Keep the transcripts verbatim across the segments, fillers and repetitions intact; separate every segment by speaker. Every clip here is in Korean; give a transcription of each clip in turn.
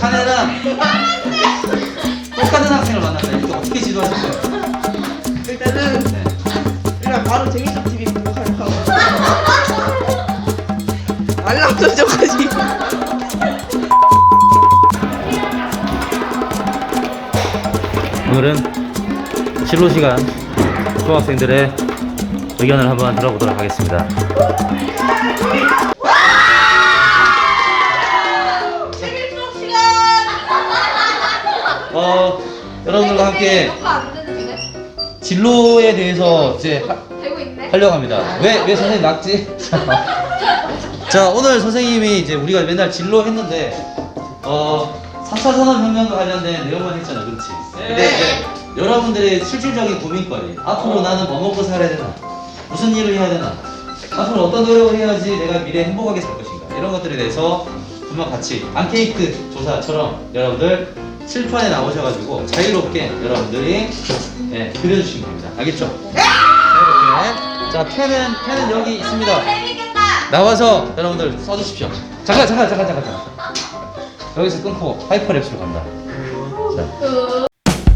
Speaker 1: 자네랑 똑같은 학생을 만났다. 이거 어떻게 지도하실 거예요?
Speaker 2: 일단은
Speaker 1: 네.
Speaker 2: 일단 바로 재밌어 티비 구독하려고 알람 설정까지.
Speaker 1: 오늘은 진로 시간 수학생들의 의견을 한번 들어보도록 하겠습니다.
Speaker 2: 재밌어 시간.
Speaker 1: 어, 여러분들과 함께
Speaker 3: 녹화 안 되는데?
Speaker 1: 진로에 대해서 이제 하,
Speaker 3: 되고 있네?
Speaker 1: 하려고 합니다. 왜, 왜 선생님 낙지? 자, 오늘 선생님이 이제 우리가 맨날 진로 했는데, 어, 삼 차 산업혁명과 관련된 내용만 했잖아, 그렇지? 근데 이제 여러분들의 실질적인 고민거리, 앞으로 나는 뭐 먹고 살아야 되나? 무슨 일을 해야 되나? 앞으로 어떤 노력을 해야지 내가 미래에 행복하게 살 것인가? 이런 것들에 대해서 분명 같이 앙케이크 조사처럼 여러분들 칠판에 나오셔가지고 자유롭게 여러분들이 예, 그려주시면 됩니다. 알겠죠? 네! 이렇게. 자, 펜은, 펜은 여기 있습니다.
Speaker 3: 재밌겠다!
Speaker 1: 나와서 여러분들 써주십시오. 잠깐, 잠깐, 잠깐, 잠깐, 잠깐. 여기서 끊고 하이퍼랩스로 간다. 자.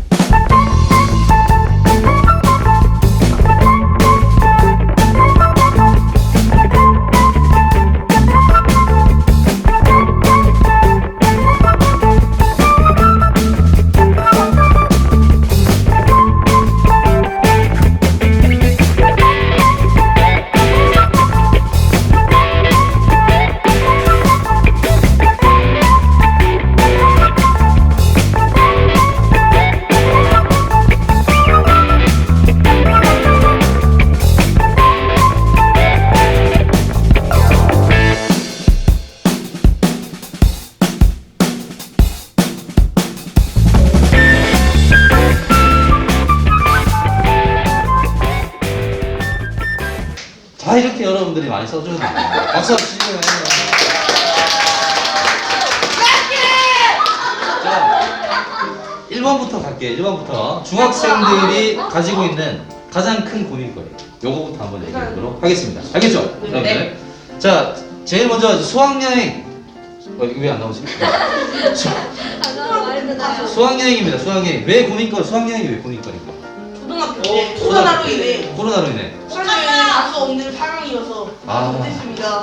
Speaker 1: 자, 이렇게 여러분들이 많이 써주는 거예요. 박수 주시고요. 자, 일 번부터 갈게요. 일 번부터 중학생들이 가지고 있는 가장 큰 고민거리, 요거부터 한번 얘기해보도록 하겠습니다. 알겠죠?
Speaker 2: 네.
Speaker 1: 네. 자, 제일 먼저 수학여행. 어, 이거 왜 안 나오지? 수,
Speaker 3: 아, 나 말했잖아요.
Speaker 1: 수학여행입니다. 수학여행. 왜 고민거리? 수학여행이 왜 고민거리인가?
Speaker 2: 초등학교 때 코로나로 인해
Speaker 1: 코로나로 인해.
Speaker 2: 수학여행을 갈 수 없는 상황이어서
Speaker 1: 아.
Speaker 2: 못했습니다.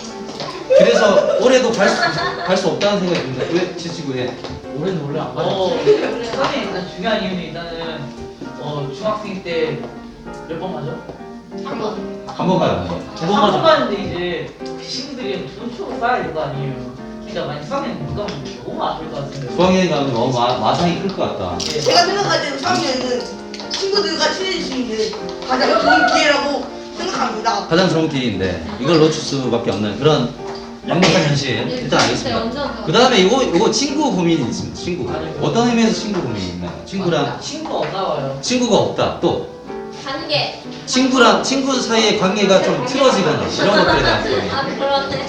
Speaker 1: 그래서 올해도 갈 수 갈 수 없다는 생각이 듭니다. 왜 지치고 해?
Speaker 4: 올해는 원래 안
Speaker 5: 어,
Speaker 4: 가요. 선생님 일단 중요한 이유는 일단은 어 중학생 때 몇 번 가죠?
Speaker 2: 한 번.
Speaker 1: 한 번 가요. 한 번.
Speaker 4: 두번 가죠. 가는데 이제 친구들이 돈 주고 싸야 될 거 아니에요. 그러니까 만약 수학여행 못 가면 너무 아플 것 같은데.
Speaker 1: 수학여행 가면 너무 마, 마상이 클 것 같다.
Speaker 4: 네.
Speaker 2: 제가 생각할 때는 수학여행은 친구들과 친해질 수 있는 가장 좋은 기회라고 생각합니다.
Speaker 1: 가장 좋은 길인데 이걸 놓칠 수밖에 없는 그런 양극한 현실 일단 알겠습니다. 그 다음에 이거 이거 친구 고민이 있습니다. 친구. 어떤 의미에서 친구 고민이 있나요? 친구랑
Speaker 4: 친구가 없나 봐요.
Speaker 1: 친구가 없다. 또
Speaker 3: 관계.
Speaker 1: 친구랑 친구 사이의 관계가 좀 틀어지거나 이런 것들에 대한 고민.
Speaker 3: 아, 그러네.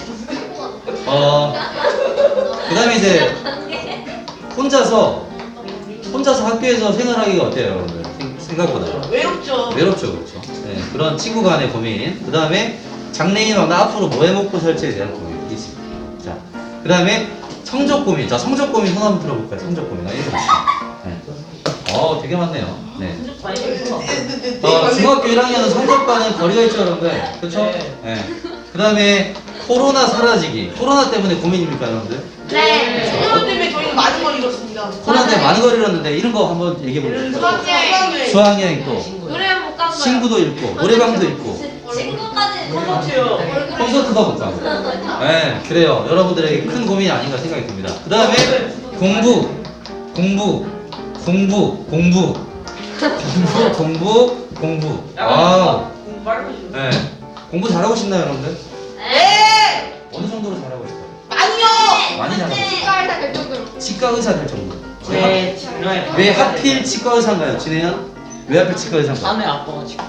Speaker 1: 어. 그 다음에 이제
Speaker 3: 관계.
Speaker 1: 혼자서 혼자서 학교에서 생활하기가 어때요, 여러분들? 생- 생각보다
Speaker 2: 외롭죠.
Speaker 1: 외롭죠, 그렇죠? 네, 그런 친구 간의 고민. 그 다음에 장래희망, 나 앞으로 뭐 해먹고 살지에 대한 고민이 있습니다. 자, 그 다음에 성적 고민. 자, 성적 고민 손 한번 들어볼까요? 성적 고민. 아, 이거 네. 어, 되게 많네요. 네.
Speaker 4: 성적 많이 있어.
Speaker 1: 어, 중학교 일 학년은 성적과는 거리가 있죠, 여러분들? 그렇죠?
Speaker 4: 네.
Speaker 1: 네. 그 다음에 코로나 사라지기. 코로나 때문에 고민입니까, 여러분들?
Speaker 3: 네.
Speaker 2: 코로나 때문에 저희는 많은 걸 잃었습니다.
Speaker 1: 코로나 때문에 많은 걸 잃었는데 이런 거 한번 얘기해 볼게요.
Speaker 2: 수학여행.
Speaker 1: 수학여행 또
Speaker 3: 노래 못 간 거야.
Speaker 1: 친구도 잃고 노래방도 잃고
Speaker 3: 친구까지.
Speaker 4: 콘서트요.
Speaker 1: 콘서트도 못 가고. 네, 그래요. 여러분들에게 큰 고민이 아닌가 생각이 듭니다. 그 다음에 공부, 공부, 공부, 공부, 공부, 공부, 공부. 아,
Speaker 4: 공부 빨리 해주세요.
Speaker 1: 네. 공부 잘하고 싶나요, 여러분들?
Speaker 2: 네.
Speaker 1: 어느 정도로 잘하고 싶어요?
Speaker 2: 아니요.
Speaker 1: 많이 잘하고 싶어요.
Speaker 3: 치과의사 될 정도로.
Speaker 1: 치과 의사 될 정도.
Speaker 4: 네, 중요해요.
Speaker 1: 왜 하필 치과 의사인가요, 진혜연? 왜 하필 치과 의사인가요?
Speaker 4: 안에 아빠가 치과.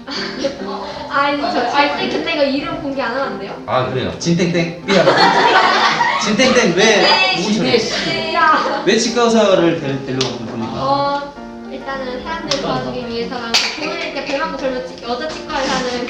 Speaker 3: 아니, 저, 아니, 근데 이거 이름 공개 안 하면 안 돼요?
Speaker 1: 아, 그래요. 진땡땡 삐야. 진땡땡 왜 누구처럼?
Speaker 3: 야.
Speaker 1: 왜 치과 의사를 데- 데려온 겁니까?
Speaker 3: 어, 일단은 사람들 도와주기 위해서랑 부모님 때 배만고 젊은 치- 여자 치과 의사는 그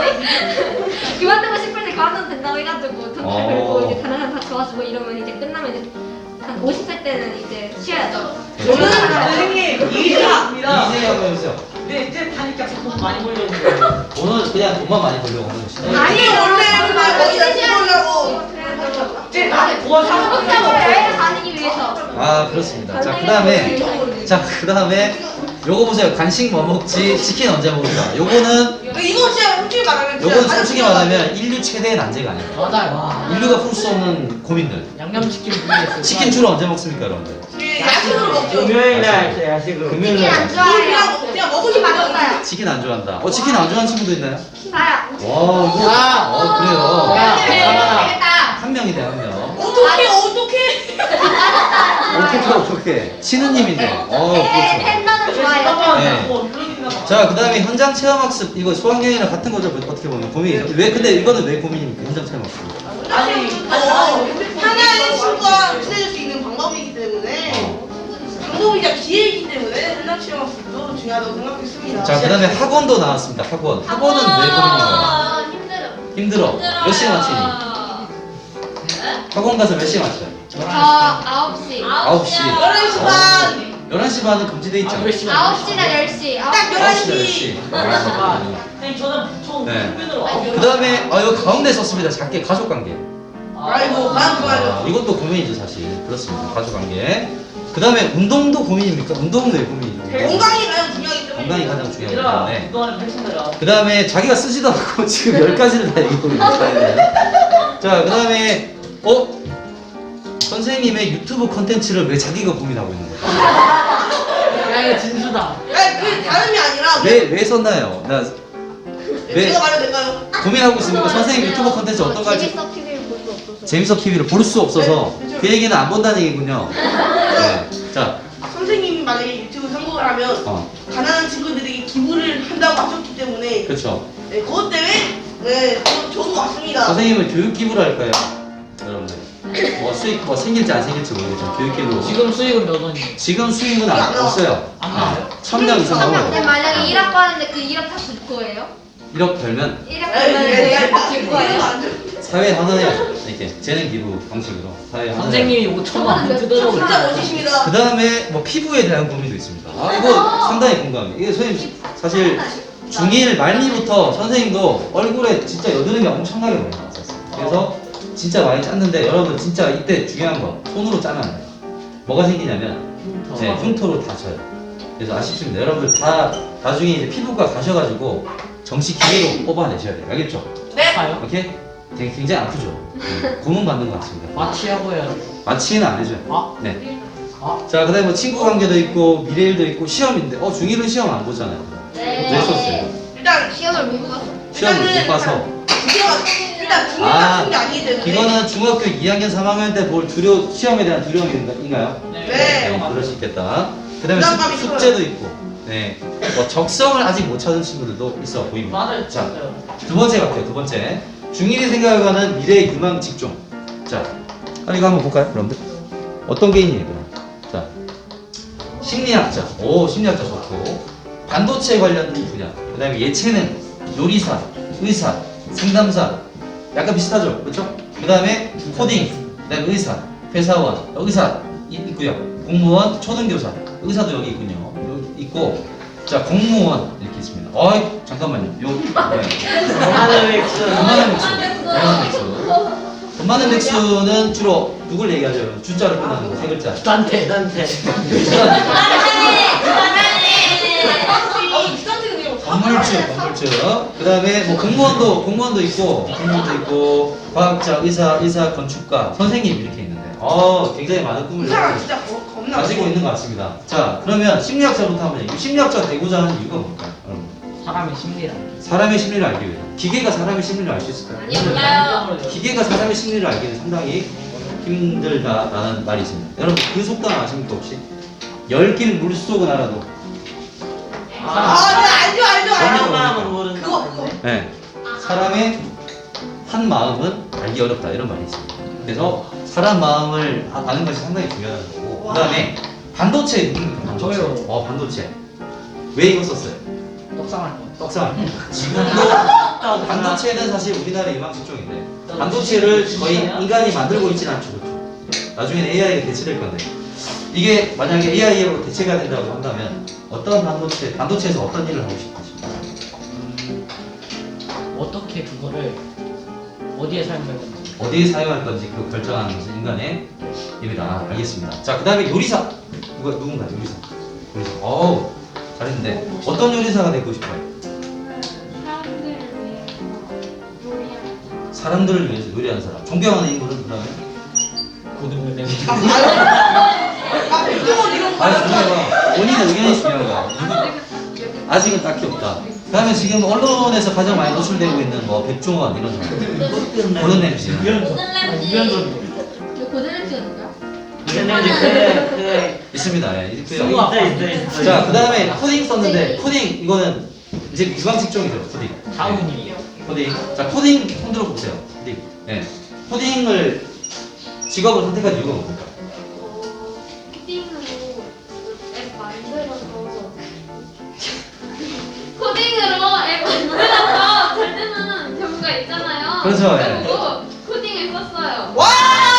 Speaker 3: 뭐지? 그만두고 싶을 때 그만둬도 된다고 해가지고 돈 잘
Speaker 1: 어.
Speaker 3: 벌고 이제 다른 사람 다 도와주고 이러면 이제 끝나면 이제 한 오십 살 때는 이제 쉬어야죠.
Speaker 2: 저는 선생님 이해합니다.
Speaker 1: 이제 한번 해보세요.
Speaker 4: 네, 이제 타니까 돈 많이 벌려는 거예요.
Speaker 1: 오늘 그냥 돈만 많이 벌려고 하는 것이다.
Speaker 2: 아니 원래는 말고 이러려고.
Speaker 4: 이제 나한테 도와주는
Speaker 3: 한국적으로 여행을 다니기 위해서.
Speaker 1: 아 그렇습니다. 자 그다음에 자 그다음에 요거 보세요. 간식 뭐 먹지? 치킨 언제 먹을까? 요거는
Speaker 2: 이거 진짜 솔직히 말하면 진짜
Speaker 1: 요거는
Speaker 2: 가장
Speaker 1: 솔직히
Speaker 2: 중요한
Speaker 1: 말하면 인류 최대의 난제가 아닙니다.
Speaker 4: 맞아요. 와.
Speaker 1: 인류가 풀 수 없는 고민들.
Speaker 4: 양념치킨 부위했어요.
Speaker 1: 치킨 주로 언제 먹습니까, 여러분들?
Speaker 2: 게 야식으로 먹죠.
Speaker 5: 금요일 날 야식으로.
Speaker 1: 금요일
Speaker 3: 치킨
Speaker 1: 날.
Speaker 3: 안 좋아해요.
Speaker 2: 그냥 그냥 먹고 싶은 거
Speaker 3: 맛없어요.
Speaker 1: 치킨 안 좋아한다. 어 치킨 안 좋아하는 친구도 있나요?
Speaker 3: 나요.
Speaker 1: 와 이거
Speaker 4: 야.
Speaker 1: 어 그래요.
Speaker 4: 야.
Speaker 3: 되겠다.
Speaker 1: 한 명이네 한 명.
Speaker 2: 어떡해 어떡해.
Speaker 1: 어떻게 어떻게 신우님인데. 어 그렇죠.
Speaker 3: 팬더는 좋아요.
Speaker 1: 네. 자 그다음에 현장 체험학습 이거 수학여행이랑 같은 거죠 어떻게 보면 고민. 왜 근데 이거는 왜 고민입니까 현장 체험학습?
Speaker 2: 아니 어, 하나의 친구와 친해질 수 있는 방법이기 때문에 방법이자 기회이기 때문에 현장 체험학습도 중요하다고 생각했습니다.
Speaker 1: 자 그다음에 학원도 나왔습니다. 학원. 학원은 왜 고민인가요?
Speaker 3: 힘들어.
Speaker 1: 힘들어. 몇 시에 마치니? 학원 가서 몇 시에 마쳐요?
Speaker 3: 저 아홉 시.
Speaker 1: 아홉 시.
Speaker 2: 열한 시 반.
Speaker 1: 열한 시 반은 금지돼 있죠?
Speaker 3: 아홉 시나 열 시.
Speaker 2: 딱 열한
Speaker 1: 아홉 시, 열
Speaker 2: 시.
Speaker 1: 시.
Speaker 4: 선생님 저는 보통
Speaker 1: 네.
Speaker 4: 평균으로 아홉
Speaker 1: 그 다음에 아 이거 가운데 썼습니다. 작게 가족관계.
Speaker 2: 아이고 난 좋아요.
Speaker 1: 아, 이것도 고민이죠 사실. 그렇습니다. 가족관계. 그 다음에 운동도 고민입니까? 운동은 왜 고민이죠?
Speaker 2: 건강이 가장 중요하기 때문에.
Speaker 1: 건강이 가장 중요하기
Speaker 4: 얘들아
Speaker 1: 때문에.
Speaker 4: 그동안에 펼친다가
Speaker 1: 그 다음에 자기가 쓰지도 않고 지금 열 가지를 다 얘기하고 있네요. 자, 그 다음에 어? 선생님의 유튜브 컨텐츠를 왜 자기가 고민하고 있는 거예요?
Speaker 4: 야 이거 진수다.
Speaker 2: 아니 그 다름이 아니라
Speaker 1: 왜, 왜 썼나요? 나 왜
Speaker 2: 제가 말해도 될까요?
Speaker 1: 고민하고 있습니까? 선생님 유튜브 컨텐츠 어떤 가지?
Speaker 3: 재밌어 티비를 볼 수 없어서.
Speaker 1: 재밌어 티비를 볼 수 없어서 그 얘기는 안 본다는 얘기군요. 네. 자,
Speaker 2: 선생님이 만약에 유튜브 성공을 하면
Speaker 1: 어,
Speaker 2: 가난한 친구들에게 기부를 한다고 하셨기 때문에
Speaker 1: 그렇죠.
Speaker 2: 네, 그것 때문에 네, 저- 좋은 것 같습니다.
Speaker 1: 선생님은 교육 기부를 할까요? 여러분들. 뭐 수익 뭐 생길지 안 생길지 모르겠지만 교육 기부.
Speaker 4: 지금 수익은 몇 원이에요?
Speaker 1: 지금 수익은 안, 없어요.
Speaker 4: 안 나와요?
Speaker 1: 천명 이상
Speaker 3: 근데
Speaker 1: 나와요.
Speaker 3: 만약에 일억 받는데 그 일억 다 줄 거예요?
Speaker 1: 일억 벌면
Speaker 3: 일억
Speaker 2: 에이,
Speaker 3: 벌면
Speaker 2: 에이, 에이,
Speaker 3: 그 줄
Speaker 2: 이거
Speaker 3: 거예요?
Speaker 2: 안 돼.
Speaker 1: 사회에 환원해야죠. 이렇게 재능 기부 방식으로 사회에 환원해야죠.
Speaker 4: 선생님이 오천만 원 뜯어서
Speaker 2: 진짜 멋지십니다.
Speaker 1: 그 다음에 뭐 피부에 대한 고민도 있습니다. 아 이거 상당히 공감해요. 이게 선생님 사실 중일 말미부터 선생님도 얼굴에 진짜 여드름이 엄청나게 많이 나왔었어요. 그래서 진짜 많이 짰는데 여러분 진짜 이때 중요한 거 손으로 짜면 안 돼요. 뭐가 생기냐면 네, 흉터로 다 져요. 그래서 아쉽습니다. 여러분들 다 나중에 이제 피부과 가셔가지고 정식 기계로 뽑아내셔야 돼요. 알겠죠?
Speaker 2: 네.
Speaker 4: 가요?
Speaker 1: 오케이? 되게 굉장히 아프죠? 네, 고문 받는 것 같습니다.
Speaker 4: 마취하고 해야죠.
Speaker 1: 마취는 안 해줘요.
Speaker 4: 아?
Speaker 1: 네.
Speaker 4: 아?
Speaker 1: 자, 그 다음에 뭐 친구 관계도 있고, 미래일도 있고, 시험인데, 어, 중일은 시험 안 보잖아요.
Speaker 3: 네.
Speaker 1: 왜 썼어요?
Speaker 2: 일단
Speaker 3: 시험을 못 봐서.
Speaker 1: 시험을 못 봐서.
Speaker 2: 중요가 일단 중요가
Speaker 1: 아,
Speaker 2: 같은 게 아니기 때문에.
Speaker 1: 이거는 중학교 이 학년, 삼 학년 때 볼 두려, 시험에 대한 두려움인가요?
Speaker 2: 네.
Speaker 1: 네, 그럴 수 있겠다. 그 다음에
Speaker 2: 부담감이
Speaker 1: 숙, 숙제도 있고, 네. 뭐 적성을 아직 못 찾은 친구들도 있어 보입니다.
Speaker 4: 맞아요.
Speaker 1: 자,
Speaker 4: 진짜요.
Speaker 1: 두 번째 갈게요, 두 번째. 중일이 생각하는 미래의 유망 직종. 자, 아, 이거 한번 볼까요, 여러분들? 어떤 게 있니, 얘들아? 자, 심리학자. 오, 심리학자 좋고. 반도체 관련된 분야. 그 다음에 예체능, 요리사, 의사, 상담사. 약간 비슷하죠? 그렇죠? 그 다음에 코딩, 그 다음에 의사, 회사원, 의사 이- 있고요. 공무원, 초등교사, 의사도 여기 있군요. 여기 있고, 자, 공무원 이렇게 있습니다. 어이, 잠깐만요. 요, 네.
Speaker 5: 돈 많은 맥주.
Speaker 1: 돈 많은 백수. 돈 많은 백수. 돈 많은 백수는 주로 누굴 얘기하죠? 주자로 끝나는 거, 세 글자.
Speaker 4: 딴테.
Speaker 5: 딴테.
Speaker 2: 아, 비싼지는 그냥
Speaker 1: 건물주, 건물주. 그 다음에 뭐 공무원도, 공무원도 있고, 공무원도 있고, 과학자, 의사, 의사, 건축가, 선생님 이렇게 있는데, 어, 굉장히 많은 꿈을
Speaker 2: 그 사람
Speaker 1: 가지고
Speaker 2: 진짜 겁- 겁나.
Speaker 1: 가지고 있는 것 같습니다. 자, 그러면 심리학자부터 한번 얘기해. 심리학자가 되고자 하는 이유가 뭘까요? 여러분?
Speaker 4: 사람의 심리라.
Speaker 1: 사람의 심리를 알기 위해. 기계가 사람의 심리를 알 수 있을까요?
Speaker 3: 아니요.
Speaker 1: 기계가 사람의 심리를 알기는 상당히 힘들다라는 말이 있습니다. 여러분 그 속담 아십니까 혹시? 열길 물속은 알아도
Speaker 2: 아, 네, 알죠, 알죠,
Speaker 1: 사람
Speaker 2: 알죠.
Speaker 5: 마음은 모르는
Speaker 2: 그거, 그거.
Speaker 1: 네. 사람의 한 마음은 알기 어렵다 이런 말이 있습니다. 그래서 사람 마음을 아- 아는 것이 상당히 중요하다는 거고 그 다음에 반도체 있는 반도체.
Speaker 4: 저요.
Speaker 1: 어 반도체 왜 이거 썼어요?
Speaker 4: 떡상할 거.
Speaker 1: 떡상 지금도 반도체는 사실 우리나라의 유망 직종인데 반도체를 거의 인간이 만들고 있지는 않죠. 그렇죠? 나중에는 에이아이가 대체될 건데 이게 만약에 에이아이로 대체가 된다고 한다면 어떤 반도체, 반도체에서 어떤 일을 하고 싶으십니까?
Speaker 4: 음, 어떻게 그거를 어디에 사용할 건지.
Speaker 1: 어디에 사용할 건지 그 결정하는 것은 인간의 일이다. 아, 알겠습니다. 자, 그 다음에 요리사. 누가 누군가 요리사. 요리사. 어우, 잘했는데 어떤 요리사가 되고 싶어요?
Speaker 3: 사람들을 위해서 요리하는
Speaker 1: 사람들을 위해서 요리하는 사람. 존경하는 인물은 그다음에
Speaker 4: 고등어 냄새.
Speaker 2: 아, 백종원 이런 거.
Speaker 1: 아니 중요한 본인의 의견이 중요한 거야. 누구- 아직은 딱히 없다. 그다음에 지금 언론에서 가장 많이 노출되고 있는 뭐 백종원 이런 사람. 고든 램지.
Speaker 4: 유연석.
Speaker 3: 고든
Speaker 4: 아,
Speaker 3: 램지.
Speaker 4: 유연석.
Speaker 3: 고드름지가 누구야?
Speaker 5: 무슨 냄새 그래 그래
Speaker 1: 있습니다. 예, 있고요.
Speaker 4: 수고.
Speaker 5: 있어 있어 있어.
Speaker 1: 자, 그다음에 푸딩 썼는데 푸딩 이거는 이제 유광 직종이죠. 푸딩.
Speaker 4: 다운이.
Speaker 1: 푸딩. 자, 푸딩 손 들어 보세요. 푸딩. 예. 푸딩을 직업을 선택한 이유가 뭡니까?
Speaker 3: 어, 코딩으로 앱 만들어서 코딩으로 앱 만들어서 잘 되는 경우가 있잖아요.
Speaker 1: 그렇죠, 예.
Speaker 3: 그리고 코딩을 썼어요.
Speaker 2: 와!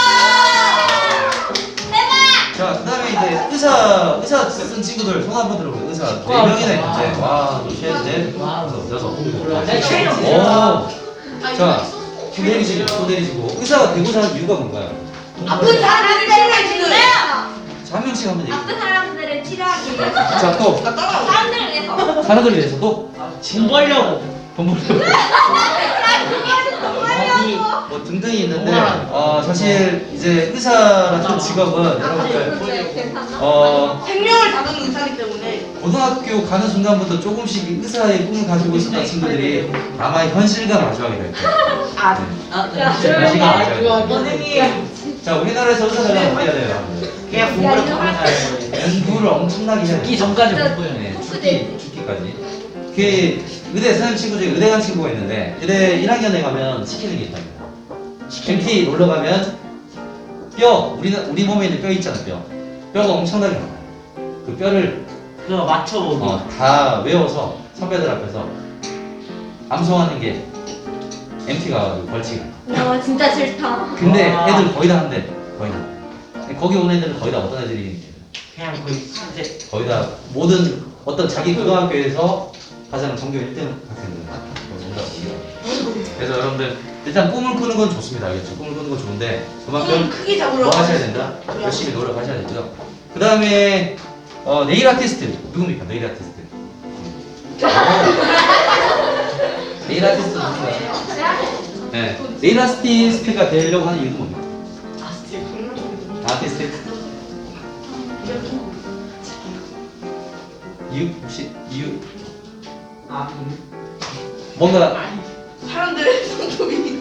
Speaker 1: 자, 그다음에 이제 의사 의사 쓴 친구들 손 한번 들어보세요. 의사 네
Speaker 4: 와,
Speaker 1: 명이나
Speaker 4: 와.
Speaker 1: 있는데 와, 셋, 넷,
Speaker 4: 와.
Speaker 1: 다섯, 여섯,
Speaker 4: 몰라. 내
Speaker 1: 일곱.
Speaker 4: 체력
Speaker 1: 오.
Speaker 2: 아,
Speaker 1: 자, 또 내리시고 또 내리시고 의사가 되고자 하는 이유가 뭔가요?
Speaker 2: 아픈 사람들을 치료해주는.
Speaker 1: 자, 한 명씩 한번 얘기해.
Speaker 3: 아픈 사람들을 치료하기 위해서
Speaker 1: 자, 또
Speaker 2: 나 따라와.
Speaker 3: 사람들을 위해서
Speaker 1: 사람들을 위해서 또
Speaker 4: 돈 벌려고.
Speaker 1: 돈 벌려고
Speaker 4: 아니,
Speaker 1: 뭐 등등이 있는데
Speaker 4: 우와.
Speaker 1: 어 사실 이제 의사라는 직업은 여러분들
Speaker 3: 네, 괜찮나?
Speaker 1: 어
Speaker 2: 생명을 다루는 의사기 때문에.
Speaker 1: 고등학교 가는 순간부터 조금씩 의사의 꿈을 가지고 있었던 친구들이 아마 현실과 마주하게 될 거예요.
Speaker 2: 아,
Speaker 5: 아
Speaker 3: 야,
Speaker 1: 조용히 해.
Speaker 5: 선생님
Speaker 1: 자, 우리나라에서 의사 되려면 어떻게 해야 돼요? 여러분들?
Speaker 5: 그냥 공부를 가면 잘 거예요.
Speaker 1: 연구를 엄청나게 해야
Speaker 4: 죽기
Speaker 1: 돼요.
Speaker 4: 전까지 못 보여.
Speaker 1: 네, 죽기, 죽기까지. 그 의대 선생님 친구 중에 의대 간 친구가 있는데 의대 일 학년에 가면 시키는 게 있답니다. 엠티 놀러 가면 뼈, 우리 우리 몸에 있는 뼈 있잖아, 뼈. 뼈가 엄청나게 많아요. 그 뼈를
Speaker 5: 그거 맞춰보기.
Speaker 1: 어, 다 외워서 선배들 앞에서 암송하는 게 엠티가 벌칙이야.
Speaker 3: 야 진짜 싫다.
Speaker 1: 근데
Speaker 5: 와.
Speaker 1: 애들 거의 다 한대. 거의 다. 거기 온 애들은 거의 다 어떤 애들이
Speaker 5: 그냥 거의 진짜
Speaker 1: 거의 다 모든 어떤 자기 고등학교에서 가장 전교 일 등 학생들 온다. 그래서 여러분들 일단 꿈을 꾸는 건 좋습니다. 알겠죠? 꿈을 꾸는 건 좋은데
Speaker 2: 좀
Speaker 1: 그만큼
Speaker 2: 크게
Speaker 1: 뭐
Speaker 2: 잡으려고.
Speaker 1: 하셔야 된다. 열심히 노력하셔야 되고요. 그 다음에 어, 네일 아티스트 누굽니까? 네일 아티스트. 네일 아티스트 누군가요? 네. 네일 아티스트가 되려고 하는 이유는 뭡니까? 아티스트. 이유 혹시 이유
Speaker 5: 아
Speaker 1: 뭔가
Speaker 2: 사람들의 손톱이.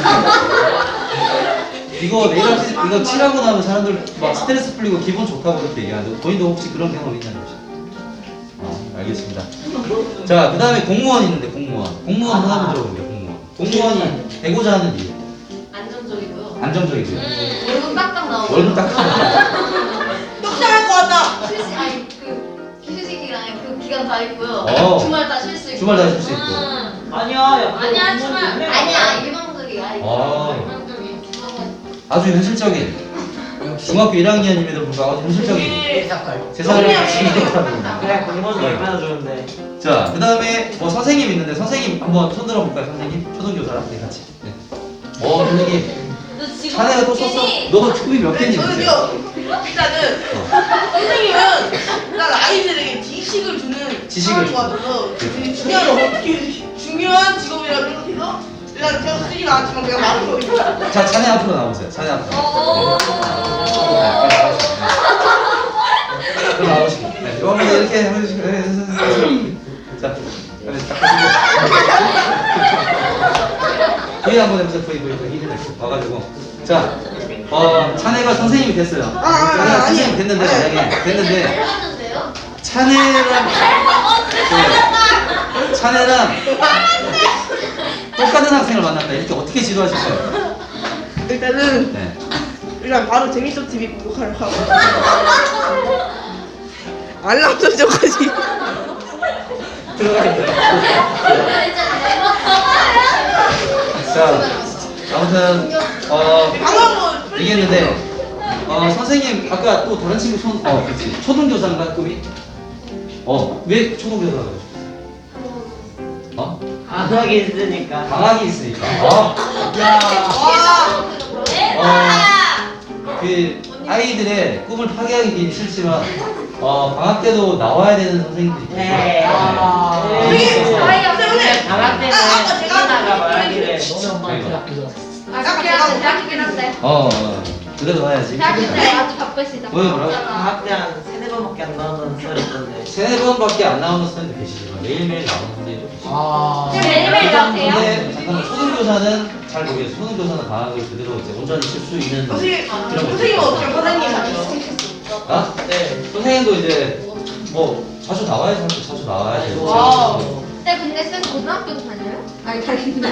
Speaker 1: 이거 네일 아티스트 이거 칠하고 나면 사람들 막 스트레스 풀리고 기분 좋다고 그렇게 얘기하는데 본인도 혹시 그런 경험 있나요? 혹시? 어, 알겠습니다. 자, 그 다음에 공무원 있는데 공무원. 공무원 하나 한번 들어볼게요. 공무원. 공무원이 되고자 하는 이유.
Speaker 3: 안정적이고요.
Speaker 1: 안정적이고요.
Speaker 3: 음, 월급 딱딱 나오고.
Speaker 1: 월급 딱
Speaker 2: 떡상할 것 같다.
Speaker 3: 휴식 아니 그 휴식 기간에 그 기간 다 있고요.
Speaker 1: 어.
Speaker 3: 주말 다 쉴 수 있고.
Speaker 1: 주말 다 쉴 수 있고.
Speaker 3: 음.
Speaker 5: 아니야 야,
Speaker 3: 아니야
Speaker 5: 그거
Speaker 3: 주말
Speaker 5: 공부는
Speaker 3: 아니야 일방적이야.
Speaker 1: 아.
Speaker 3: 일방적인.
Speaker 1: 아주 현실적인 중학교 일 학년임에도 불구하고 아주 현실적인
Speaker 2: 우리
Speaker 1: 세상을
Speaker 2: 영리하게
Speaker 1: 지키는 사람입니다.
Speaker 5: 그래 공부는 얼마나 좋은데.
Speaker 1: 자, 그 다음에 뭐 선생님 있는데 선생님 한번 손 들어볼까요? 선생님? 초등교사랑 네, 같이. 네. 어, 선생님.
Speaker 3: 너 지금
Speaker 1: 자네가 또 썼어? 너도 축구비 몇 개니?
Speaker 2: 저는요. 일단은 선생님은 일단 아이들에게 지식을 주는
Speaker 1: 지식을
Speaker 2: 사람인 것 같아서 되게 중요한 어떻게 중요한 직업이라고 생각해서 일단 제가 쓰진 않았지만 제가 말한 거니까.
Speaker 1: 자, 자네 앞으로 나오세요. 자네 앞으로.
Speaker 3: 어.
Speaker 1: 그럼 나오시고. 네, 이번에 이렇게 해주시고. 네, 네, 네, 네. 자, 빨리 딱 하시고. V 한번 해보세요. V, V, V. 힘을 내 와가지고. 자, 어, 자네가 선생님이 됐어요.
Speaker 2: 아, 아,
Speaker 1: 자네가
Speaker 2: 아니.
Speaker 1: 선생님이 됐는데, 만약에 됐는데,
Speaker 3: 잘하는데요?
Speaker 1: 차네랑 네. 차네랑 똑같은 학생을 만났다. 이렇게 어떻게 지도하실 거예요?
Speaker 2: 일단은
Speaker 1: 네.
Speaker 2: 일단 바로 재밌어 티비 구독하러 가고 알람 설정까지.
Speaker 1: 들어가 있어요. 자, 아무튼 어
Speaker 2: 방금
Speaker 1: 얘기했는데 어, 선생님 아까 또 다른 친구 손, 어, 그렇지. 초등교사인가 꿈이? 어, 왜 초등교사가 되고 싶어? 어?
Speaker 5: 방학이 있으니까.
Speaker 1: 방학이 있으니까. 어,
Speaker 5: 야.
Speaker 1: 어, 그 아이들의 꿈을 파괴하기 싫지만 어, 방학 때도 나와야 되는 선생님들이 있어요.
Speaker 5: 네. 아.
Speaker 2: 선생님,
Speaker 3: 아이,
Speaker 2: 선생님.
Speaker 5: 방학 때는
Speaker 2: 아, 아까 제가
Speaker 5: 하나가 말하기를.
Speaker 4: 너네 엄마한테
Speaker 1: 그러니까.
Speaker 4: 학교
Speaker 3: 아까 대학 대학이긴 한데
Speaker 1: 어, 어, 그래도 와야지.
Speaker 3: 대학교 때 아주 바쁘시다.
Speaker 1: 왜, 뭐라고?
Speaker 5: 방학 때 한 세네 번밖에 안 나오는 소리 있던데.
Speaker 1: 세네 번밖에 안 나오는 선생님도 계시지만 매일매일 나오는 선생님도 계시고.
Speaker 4: 아.
Speaker 3: 지금 매일매일 나오세요?
Speaker 1: 근데 잠깐만 초등교사는 잘 모르겠어요. 초등교사는 방학을 그대로 이제 온전히 쉴 수 있는
Speaker 2: 선생님,
Speaker 1: 그런 거
Speaker 2: 선생님
Speaker 1: 있어요.
Speaker 2: 어떻게 선생님
Speaker 1: 아?
Speaker 4: 네.
Speaker 1: 선생님도 이제 뭐 자주 나와야지 자주, 자주 나와야지.
Speaker 2: 와우.
Speaker 3: 근데 근데 쌤 고등학교도 다녀요? 아니 다니는데.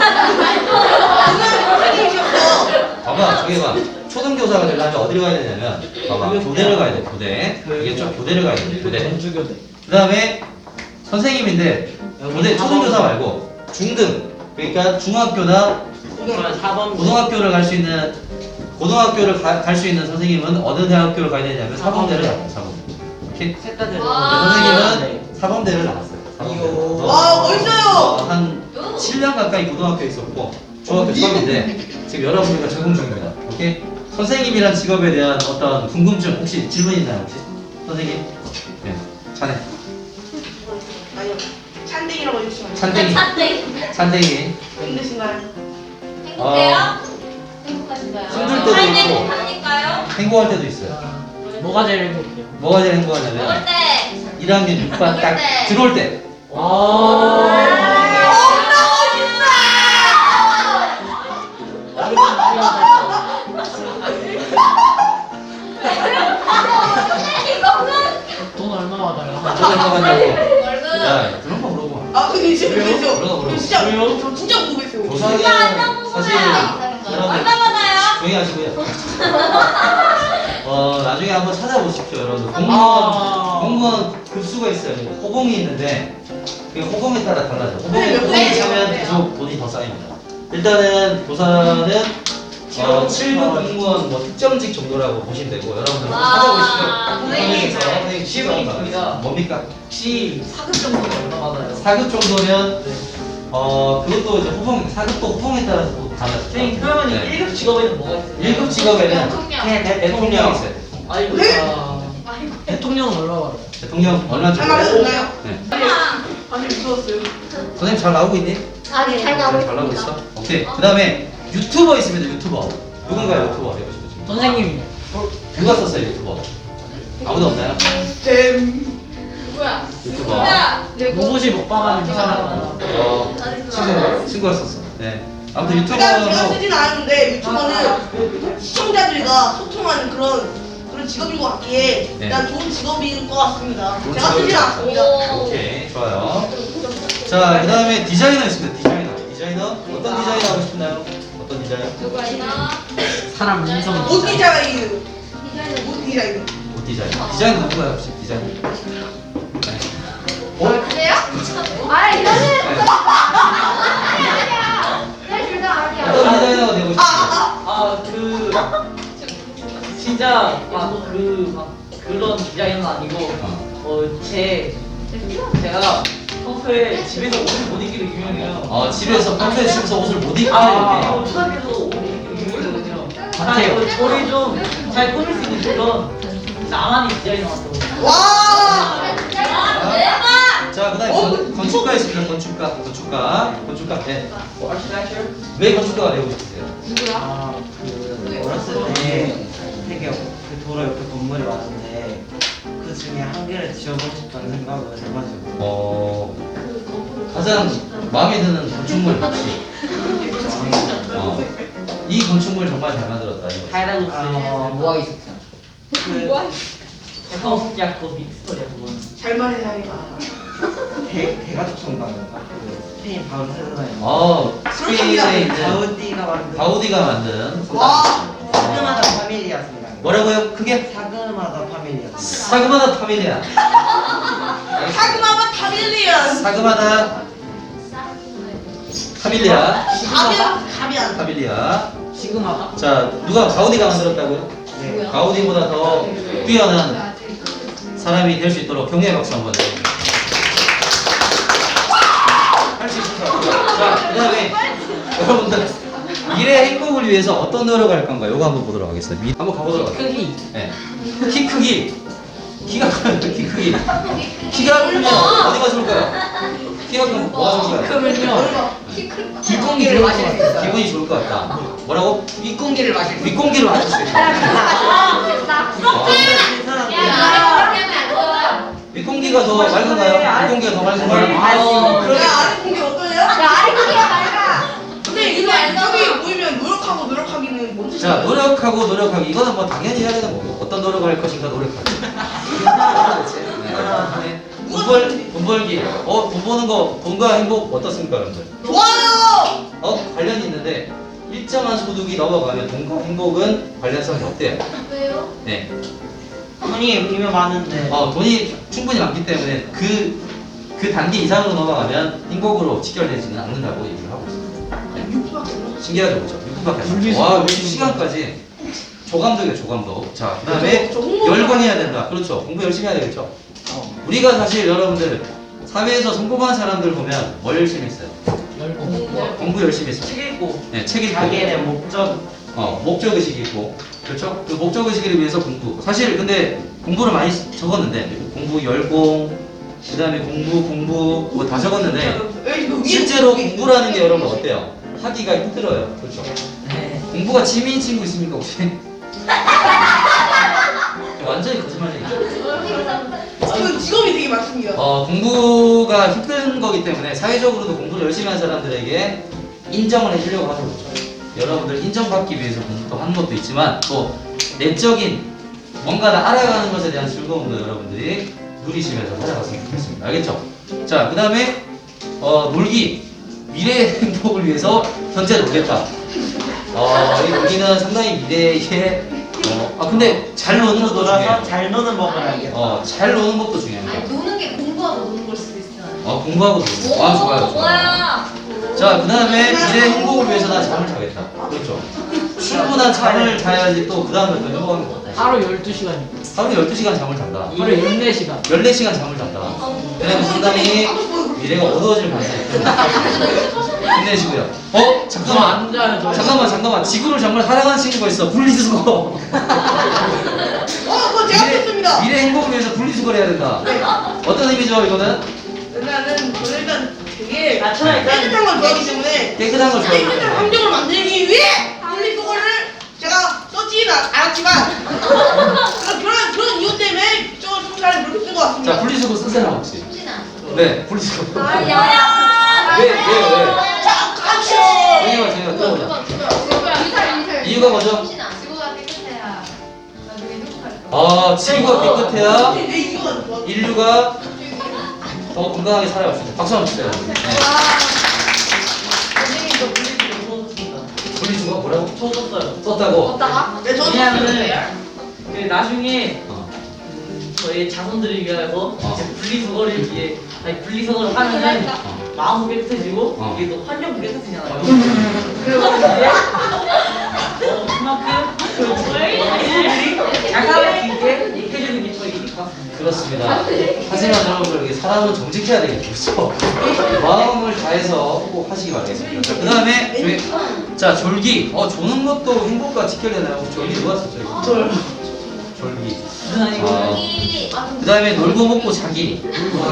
Speaker 2: 선생님이셨어.
Speaker 1: 봐봐 저기 봐. 초등교사가 되려면 어디를 가야 되냐면 봐봐 교대를 가야 돼 교대. 이게 좀 교대를 가야 돼 교대.
Speaker 4: 전주교대.
Speaker 1: 그 다음에 선생님인데 교대 초등교사 말고 중등 그러니까 중학교나
Speaker 5: 그러면 사 번.
Speaker 1: 고등학교를 갈 수 있는 고등학교를 갈 수 있는 선생님은 어느 대학교를 가야 되냐면 사범대를 나와요. 사범. 오케이?
Speaker 5: 셋다
Speaker 1: 네,
Speaker 3: 와.
Speaker 1: 선생님은 사범대를 나왔어요. 사범대를.
Speaker 2: 와, 멋있어요.
Speaker 1: 어, 한 칠 년 가까이 고등학교에 있었고 중학교 처음인데 지금 여러분들과 적응 중입니다. 오케이? 선생님이란 직업에 대한 어떤 궁금증 혹시 질문 있나요 혹시? 선생님? 네. 자네.
Speaker 2: 아니요. 찬댕이라고 해주시면
Speaker 1: 찬댕이.
Speaker 3: 찬댕이.
Speaker 1: 찬댕이.
Speaker 2: 힘드신가요?
Speaker 3: 행복해요? 행복하신가요?
Speaker 1: 힘들 때도
Speaker 3: 찬댕이
Speaker 1: 있고.
Speaker 3: 하니까요?
Speaker 1: 행복할 때도 있어요.
Speaker 4: 뭐가 제일 행복해요?
Speaker 1: 뭐가 제일
Speaker 3: 먹을
Speaker 1: 행복하냐면
Speaker 3: 때.
Speaker 1: 일 학년 육 반 딱
Speaker 3: 먹을 때.
Speaker 1: 들어올 때.
Speaker 4: 와. 돈 얼마 받아요?
Speaker 1: 저도 행복하냐고.
Speaker 3: 월급.
Speaker 1: 야 그런 거 물어봐.
Speaker 2: 아, 근데 진짜
Speaker 1: 그래요?
Speaker 2: 그래서
Speaker 1: 그러나, 그러나.
Speaker 2: 진짜
Speaker 4: 왜요?
Speaker 2: 저 진짜 궁금했어요.
Speaker 1: 조상이 사실 여러분
Speaker 3: 얼마 받아요?
Speaker 1: 조용히 하시고요. 어 나중에 한번 찾아보십시오 여러분. 공무원
Speaker 4: 아.
Speaker 1: 공무원 급수가 있어요. 호봉이 있는데 그 호봉에 따라 달라져. 호봉에
Speaker 2: 네, 몇
Speaker 1: 호봉이
Speaker 2: 번이에요?
Speaker 1: 차면 계속 돈이 더 쌓입니다. 일단은 교사는 어, 칠 급 공무원 뭐 특정직 정도라고 보시면 되고 여러분들 한번 찾아보시죠.
Speaker 3: 선생님.
Speaker 1: 그래서 선생님
Speaker 4: 질문이
Speaker 1: 시간이
Speaker 4: 있습니다.
Speaker 1: 많아요. 뭡니까?
Speaker 4: 혹시 사급 정도는 얼마 받아요?
Speaker 1: 사 급 정도면
Speaker 4: 네.
Speaker 1: 어 그것도 이제 호봉 사 급도 호봉에 따라서 또 달라져.
Speaker 4: 선생님 그러면
Speaker 1: 네.
Speaker 4: 일 급 직업에는 뭐가 있어요?
Speaker 1: 일 급 직업에는
Speaker 3: 대통령.
Speaker 5: 대
Speaker 1: 대통령이 있어요.
Speaker 4: 아이고.
Speaker 2: 네?
Speaker 4: 아. 대통령은 얼마 받아요?
Speaker 1: 대통령 얼마
Speaker 2: 잘
Speaker 1: 정도?
Speaker 2: 말해줬나요?
Speaker 1: 네.
Speaker 2: 아니, 무서웠어요.
Speaker 1: 선생님 잘 나오고 있니?
Speaker 3: 아니 잘 나오고
Speaker 1: 잘 나오고
Speaker 3: 있습니다.
Speaker 1: 있어? 오케이. 그 다음에 유튜버 있습니다. 유튜버. 누군가요 유튜버 되고 싶으신 분?
Speaker 4: 선생님이요.
Speaker 1: 누가 썼어요 유튜버? 아무도 없나요?
Speaker 2: 잼.
Speaker 3: 누구야?
Speaker 1: 유튜버.
Speaker 3: 누구야? 누구?
Speaker 4: 로봇이 먹방하는 그 사람.
Speaker 1: 어 친구 친구가 썼어. 네. 아무튼
Speaker 2: 제가 제가
Speaker 1: 유튜버로
Speaker 2: 쓰진 않았는데 유튜버는 시청자들과 소통하는 그런 그런 직업인 것 같기에
Speaker 1: 네.
Speaker 2: 난 좋은 직업인 것 같습니다.
Speaker 1: 좋은
Speaker 2: 제가 쓰진
Speaker 1: 직업이죠.
Speaker 2: 않았습니다.
Speaker 3: 오.
Speaker 1: 오케이 좋아요. 자, 그 다음에 디자이너 있습니다. 디자이너. 디자이너? 어떤 디자이너 하고 싶나요? 어떤 디자이너?
Speaker 3: 누가 있나?
Speaker 4: 사람 인성.
Speaker 2: 옷 디자인,
Speaker 3: 디자이너.
Speaker 2: 옷 디자인.
Speaker 1: 옷 디자이너. 디자이너 누구야 혹시 디자이너? 네. 어?
Speaker 3: 아, 그래요? 아 이거는 아니야 아니야. 내 둘다 아니야.
Speaker 1: 어떤 디자이너가 되고 싶으세요?
Speaker 2: 아,
Speaker 4: 아그 진짜 막그막 그런 디자인은 아니고
Speaker 1: 어.
Speaker 4: 어제 제가 평소에 집에서 옷을 못 입기로 유명해요.
Speaker 1: 어, 집에서 평소에 집에서 옷을 못 입게
Speaker 4: 아,
Speaker 1: 이렇게.
Speaker 4: 초등학교에서 옷을 입기로 유명했거든요.
Speaker 1: 같아요.
Speaker 4: 아, 저를 좀 잘 꾸밀 수 있는 그런 나만의 디자이너 같다고.
Speaker 2: 와.
Speaker 3: 아, 대박.
Speaker 1: 자, 그다음에
Speaker 2: 어,
Speaker 1: 건, 건축가 있습니다. 건축가, 건축가, 건축가. 네. 왜 건축가가 되고 싶으세요?
Speaker 3: 누구야?
Speaker 5: 아그 어렸을 때 되게 그 도로 옆에 건물이 많은데 그 중에 한 개를 지어보고 싶다는 생각을 해가지고.
Speaker 1: 어, 가장 마음에 드는 건축물 혹시? 어, 이 건축물 정말 잘 만들었다. 이거.
Speaker 4: 하이라고스
Speaker 5: 아,
Speaker 4: 뭐가 있었죠?
Speaker 5: 그
Speaker 4: 형 야그 믹스터리야 그건.
Speaker 2: 잘 말해야겠다.
Speaker 5: 대 대가족 성당인가 그 스페인 바르셀로나에
Speaker 1: 어, 스페인에 있는
Speaker 5: 가우디가 만든
Speaker 1: 가우디가 만든
Speaker 2: 와.
Speaker 5: 사그마다 파밀리아입니다.
Speaker 1: 뭐라고요? 그게
Speaker 5: 사그마다 파밀리아.
Speaker 1: 사그마다 파밀리아.
Speaker 2: 사그마바 타밀리언.
Speaker 1: 사그마다 파밀리아.
Speaker 2: 가비안, 가비안.
Speaker 1: 파밀리아.
Speaker 4: 시그마다?
Speaker 1: 자, 누가 가우디가 만들었다고요?
Speaker 5: 네.
Speaker 1: 가우디보다 더 뛰어난 사람이 될 수 있도록 격려의 박수 한번 드립니다. 할 수 있을 것 같아요. 자, 그 다음에 여러분들 미래 행복을 위해서 어떤 노력을 할 건가요? 이거 한번 보도록 하겠습니다. 미- 한번 가보도록 하겠습니다.
Speaker 4: 크기.
Speaker 1: 네. 키 크기. 키가 크면 키 크기. 키가 크면 어디가 좋을까요? 키가 크면 뭐가 좋을까요?
Speaker 4: 그러면요.
Speaker 3: 뒷공기를 마실 수 있어요.
Speaker 1: 기분이 좋을 것 같다. 뭐라고?
Speaker 4: 윗공기를 마실 수 있어요.
Speaker 1: 윗공기를 마실 수 있다.
Speaker 3: 됐다. 야, 나 그렇게 하면 안 좋아.
Speaker 1: 윗공기가 더 맑은가요? 윗공기가 더 맑은가요?
Speaker 4: 아, 그러네.
Speaker 2: 야, 아래 공개 어떠냐?
Speaker 3: 야, 아래 공기가 맑아.
Speaker 2: 근데 이거 저기 보이면 노력하고 노력하기는 뭔 뜻이야?
Speaker 1: 자, 노력하고 노력하기. 이거는 뭐 당연히 해야 되는 거고. 어떤 노력을 할 것인가 노력하기. 네. 돈 벌, 돈 벌기. 어, 돈 버는 거, 돈과 행복 어떻습니까, 여러분들?
Speaker 2: 좋아요!
Speaker 1: 어, 관련이 있는데, 일정한 소득이 넘어가면 돈과 행복은 관련성이 없대요.
Speaker 3: 왜요?
Speaker 1: 네.
Speaker 5: 돈이 이미 많은데.
Speaker 1: 어, 돈이 충분히 많기 때문에 그, 그 단계 이상으로 넘어가면 행복으로 직결되지는 않는다고 얘기를 하고 있습니다.
Speaker 2: 육 분밖에 안 남았어.
Speaker 1: 신기하죠, 그렇죠? 육 분밖에 안
Speaker 4: 분리수
Speaker 1: 남았어. 와,
Speaker 4: 분리수.
Speaker 1: 육 시간까지 조감독이에요, 조감독. 자, 그 다음에
Speaker 2: 저 홍보
Speaker 1: 열광해야 된다. 그렇죠. 공부 열심히 해야 되겠죠.
Speaker 5: 어.
Speaker 1: 우리가 사실 여러분들 사회에서 성공한 사람들 보면 뭘 열심히 했어요?
Speaker 4: 열공.
Speaker 1: 공부 열심히 했어요.
Speaker 4: 책 읽고.
Speaker 1: 네, 책 읽고.
Speaker 5: 자기의 목적.
Speaker 1: 어, 목적의식이 있고, 그렇죠? 그 목적의식을 위해서 공부. 사실 근데 공부를 많이 적었는데, 공부 열공, 그 다음에 공부, 공부, 뭐 다 적었는데,
Speaker 2: 여기 그 위에
Speaker 1: 실제로
Speaker 2: 위에
Speaker 1: 공부라는 게 여러분 어때요? 하기가 힘들어요. 그렇죠?
Speaker 4: 네.
Speaker 1: 공부가 취미인 친구 있습니까, 혹시? 완전히 거짓말이에요.
Speaker 2: 그 직업이 되게 많습니다.
Speaker 1: 어, 공부가 힘든 거기 때문에 사회적으로도 공부를 열심히 한 사람들에게 인정을 해주려고 하는 거죠. 여러분들 인정받기 위해서 공부도 하는 것도 있지만 또 내적인 뭔가를 알아가는 것에 대한 즐거움도 여러분들이 누리시면서 살아갔으면 좋겠습니다. 알겠죠? 자, 그 다음에 어, 놀기. 미래의 행복을 위해서 현재 놀겠다. 어, 이 놀기는 상당히 미래의 어, 아 근데 잘 노는 것도
Speaker 5: 돌아서
Speaker 1: 중요해요.
Speaker 5: 잘 노는 법을 알겠다.
Speaker 1: 어, 잘 노는 것도 중요합니다.
Speaker 6: 아니 노는 게 공부하고 노는 걸 수도 있잖아요.
Speaker 1: 어, 공부하고 놀기. 아, 좋아요, 좋아요.
Speaker 6: 뭐야?
Speaker 1: 자, 그 다음에 미래 행복을 위해서 난 잠을 자겠다. 그렇죠. 충분한 잠을 자야지 또 그 다음에 더 행복한 거 같아.
Speaker 4: 하루 열두 시간.
Speaker 1: 하루에 열두 시간 잠을 잔다.
Speaker 4: 하루 열네 시간.
Speaker 1: 열네 시간 잠을 잔다. 그러면 상당히 미래가 어두워질 가능성이 있습니다. 힘내시고요. 어? 잠깐만.
Speaker 4: 안 자요, 저.
Speaker 1: 잠깐만, 잠깐만. 지구를 정말 사랑하는 친구가 있어. 분리수거.
Speaker 2: 어, 그거 제가 했습니다.
Speaker 1: 미래 행복을 위해서 분리수거를 해야 된다. 어떤 의미죠, 이거는?
Speaker 2: 일단은 저는 일단 되게
Speaker 4: 아, 저는 일단-
Speaker 2: 깨끗한 걸 좋아하기 때문에
Speaker 1: 깨끗한 걸
Speaker 2: 깨끗한
Speaker 1: 좋아해요.
Speaker 2: 환경을 만들기 위해 분리수거를 제가 썼지는 않았지만 그런 그런 그런 이유 때문에 저 청사를 그렇게 쓴 것
Speaker 1: 자,
Speaker 2: 같습니다.
Speaker 1: 분리수거 쓴 사람 혹시?
Speaker 6: 쉽진 않아.
Speaker 1: 네, 분리수거.
Speaker 3: 아, 야.
Speaker 1: 왜, 왜, 왜?
Speaker 2: 자, 같이.
Speaker 1: 왜냐면 저희가 들어보자.
Speaker 3: 미설, 미설.
Speaker 1: 이유가 뭐죠?
Speaker 6: 쉽진 않아. 지구가 깨끗해야 나중에 행복할 거야.
Speaker 1: 아, 지구가 깨끗해야
Speaker 2: 내 이유가 좋아.
Speaker 1: 인류가 더 건강하게 살아갈 수 있다. 박수 한번 주세요. 네.
Speaker 4: 선생님 저 분리수거 써줬습니다.
Speaker 1: 분리수거 뭐라고?
Speaker 4: 써줬어요.
Speaker 1: 썼다고?
Speaker 3: 어디다가?
Speaker 2: 네, 저도
Speaker 4: 왜냐면은 그 나중에
Speaker 1: 어.
Speaker 4: 음, 저희 자손들을 위해서
Speaker 1: 어.
Speaker 4: 이제 분리수거를 위해 아니 분리수거를 하면은
Speaker 1: 어.
Speaker 4: 마음도 깨끗해지고
Speaker 1: 어.
Speaker 4: 이게 또 환경도 깨끗해지잖아요.
Speaker 1: 어.
Speaker 4: 그래서 이제 어, 그만큼 그 분들이 잘 살아갈 수 있게 해주는 게 저희 일 같습니다.
Speaker 1: 그렇습니다. 하지만 여러분들 이게 사람은 정직해야 되겠죠. 그렇죠? 마음을 다해서 꼭 하시기 바라겠습니다. 자, 그 다음에 자 졸기. 어 조는 것도 행복과 직결되나요? 졸기 누가 썼죠? 이거?
Speaker 2: 저요.
Speaker 1: 졸기.
Speaker 4: 무슨 아니고
Speaker 1: 아.
Speaker 6: 여기
Speaker 1: 그 다음에 놀고 먹고 자기.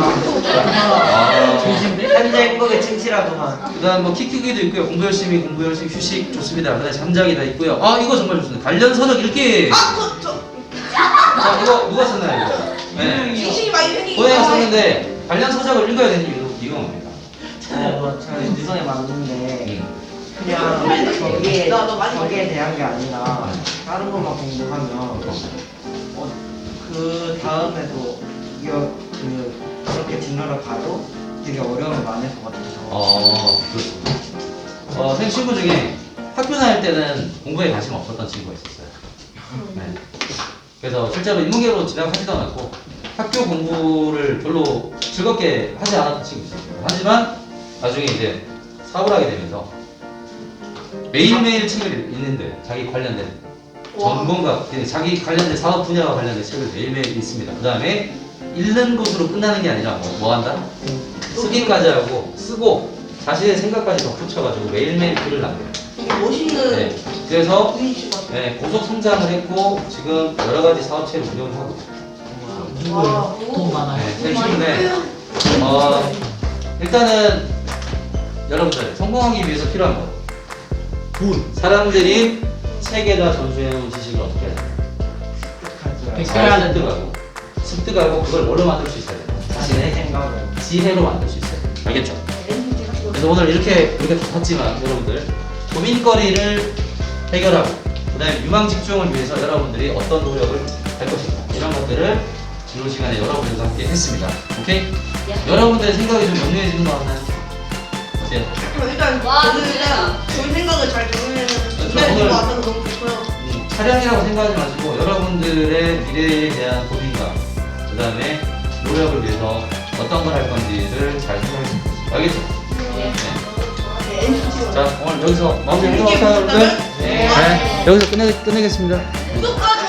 Speaker 1: 아.
Speaker 4: 조심돼?
Speaker 5: 현재 행복에 진실하구만.
Speaker 1: 그 다음 뭐 키 크기도 있고요. 공부 열심히, 공부 열심히, 휴식 좋습니다. 그 다음에 잠자기 다 있고요. 아 이거 정말 좋습니다. 관련 서적 읽기.
Speaker 2: 아, 저, 저
Speaker 1: 자 이거 누가 썼나요 이거? 네.
Speaker 2: 지식이 많이 생기기
Speaker 1: 고양이가 썼는데 관련 서적을 읽어야 되는 이유, 이유가 뭡니까?
Speaker 5: 어, 뭐 저는 유성에 맞는데
Speaker 1: 음.
Speaker 5: 그냥 저기에
Speaker 2: 나, 너 많이
Speaker 5: 저기에 대한 게 아니라 다른 것만 공부하면 어, 그 다음에도 이거 그 그렇게 진로를 가도 되게 어려움이 많을 것 같아서.
Speaker 1: 어, 그렇습니다. 어, 선생님 친구 중에 학교 다닐 때는 공부에 관심 없었던 친구가 있었어요. 네. 그래서 실제로 인문계로 진학하지도 않았고 학교 공부를 별로 즐겁게 하지 않았던 친구 있었어요. 하지만 나중에 이제 사업을 하게 되면서 매일매일 책을 읽는데 자기 관련된 전공과 자기 관련된 사업 분야와 관련된 책을 매일매일 읽습니다. 그 다음에 읽는 것으로 끝나는 게 아니라 뭐, 뭐 한다? 쓰기까지 하고 쓰고 자신의 생각까지 덧붙여가지고 매일매일 글을 남겨요.
Speaker 2: 되게 멋있는
Speaker 1: 네. 그래서
Speaker 2: 분이신 것 같아요.
Speaker 1: 네, 고속 성장을 했고 지금 여러 가지 사업체를 운영을 하고 있어요.
Speaker 2: 와,
Speaker 4: 돈 많아요.
Speaker 1: 네, 셋인데 어, 일단은 여러분들 성공하기 위해서 필요한 거 돈. 사람들이 책에다 전수해놓은 지식을 어떻게 해야 돼요? 잘 습득하고 습득하고 그걸 뭘로 만들 수 있어야 돼요?
Speaker 5: 자신의 생각으로.
Speaker 1: 지혜로 만들 수 있어요. 알겠죠? 그래서 오늘 이렇게 우리가 봤지만 여러분들 고민거리를 해결하고 그 다음에 유망 집중을 위해서 여러분들이 어떤 노력을 할 것인가 이런 것들을 진로 시간에 여러분들과 함께 했습니다. 오케이? 여러분들의 생각이 좀 명료해지는 것 같나요? 어때요?
Speaker 2: 일단
Speaker 3: 와,
Speaker 2: 저는
Speaker 3: 진짜.
Speaker 2: 일단 저희 생각을 잘 정리해서
Speaker 1: 그렇죠.
Speaker 2: 준비해
Speaker 1: 오늘-
Speaker 2: 준것 같아서 너무 좋고요.
Speaker 1: 음, 촬영이라고 생각하지 마시고 여러분들의 미래에 대한 고민과 그 다음에 노력을 위해서 어떤 걸 할 건지를 잘 생각해주세요. 알겠죠? 네.
Speaker 2: 네, 엔지
Speaker 1: 자 오늘 여기서 마무리하도록
Speaker 2: 재밌게
Speaker 1: 할까요, 여러분들?
Speaker 2: 보셨다면?
Speaker 1: 네. 여기서 끝내, 끝내겠습니다.
Speaker 2: 구독과